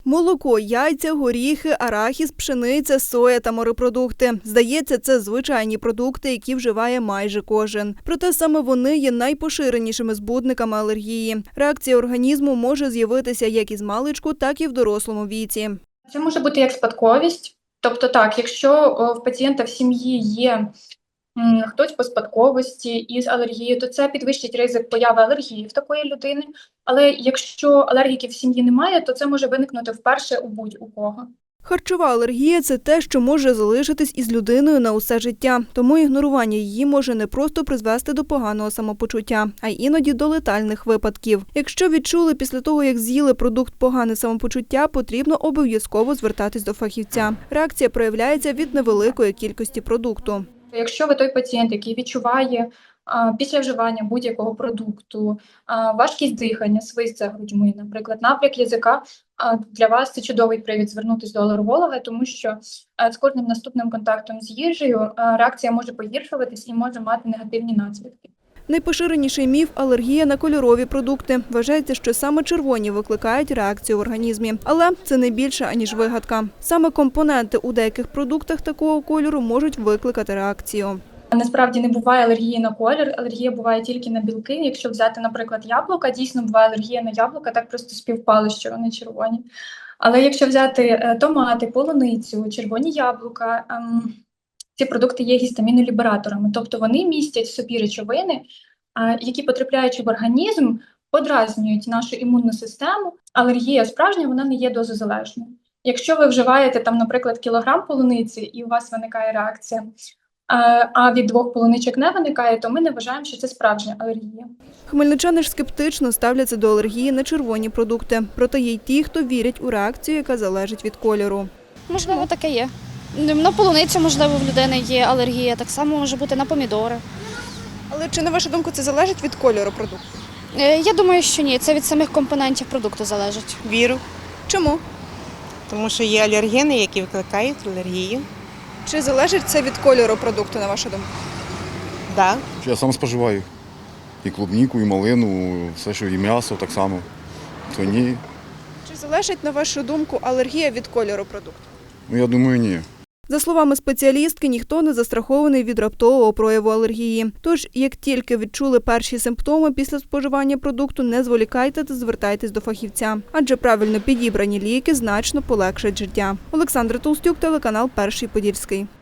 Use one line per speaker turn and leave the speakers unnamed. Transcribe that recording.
Молоко, яйця, горіхи, арахіс, пшениця, соя та морепродукти. Здається, це звичайні продукти, які вживає майже кожен. Проте саме вони є найпоширенішими збудниками алергії. Реакція організму може з'явитися як із маличку, так і в дорослому віці.
Це може бути як спадковість. Тобто так, якщо в пацієнта в сім'ї є хтось по спадковості із алергією, то це підвищить ризик появи алергії в такої людини. Але якщо алергіків в сім'ї немає, то це може виникнути вперше у будь-у кого.
Харчова алергія – це те, що може залишитись із людиною на усе життя. Тому ігнорування її може не просто призвести до поганого самопочуття, а й іноді до летальних випадків. Якщо відчули після того, як з'їли продукт погане самопочуття, потрібно обов'язково звертатись до фахівця. Реакція проявляється від невеликої кількості продукту.
Якщо ви той пацієнт, який відчуває після вживання будь-якого продукту важкість дихання, свист за грудьми, наприклад, напряг язика, для вас це чудовий привід звернутися до алерголога, тому що з кожним наступним контактом з їжею реакція може погіршуватись і може мати негативні наслідки.
Найпоширеніший міф – алергія на кольорові продукти. Вважається, що саме червоні викликають реакцію в організмі. Але це не більше, аніж вигадка. Саме компоненти у деяких продуктах такого кольору можуть викликати реакцію.
Насправді не буває алергії на колір, алергія буває тільки на білки. Якщо взяти, наприклад, яблука, дійсно буває алергія на яблука, так просто співпало, що вони червоні. Але якщо взяти томати, полуницю, червоні яблука, ці продукти є гістамінолібераторами, тобто вони містять в собі речовини, які, потрапляючи в організм, подразнюють нашу імунну систему. Алергія справжня, вона не є дозозалежною. Якщо ви вживаєте, там, наприклад, кілограм полуниці і у вас виникає реакція, а від 2 полуничок не виникає, то ми не вважаємо, що це справжня алергія.
Хмельничани ж скептично ставляться до алергії на червоні продукти. Проте є й ті, хто вірять у реакцію, яка залежить від кольору.
Можливо, таке є. На полуницю, можливо, в людини є алергія, так само може бути на помідори.
Але чи, на вашу думку, це залежить від кольору продукту?
Я думаю, що ні, це від самих компонентів продукту залежить.
Вірю,
Чому?
тому що є алергени, які викликають алергію.
Чи залежить це від кольору продукту, на вашу думку?
Да.
Я сам споживаю і клубніку, і малину, все, що і м'ясо так само. То ні.
Чи залежить, на вашу думку, алергія від кольору продукту?
Ну, я думаю, ні.
За словами спеціалістки, ніхто не застрахований від раптового прояву алергії. Тож, як тільки відчули перші симптоми після споживання продукту, не зволікайте та звертайтесь до фахівця. Адже правильно підібрані ліки значно полегшать життя. Олександра Толстюк, телеканал «Перший Подільський».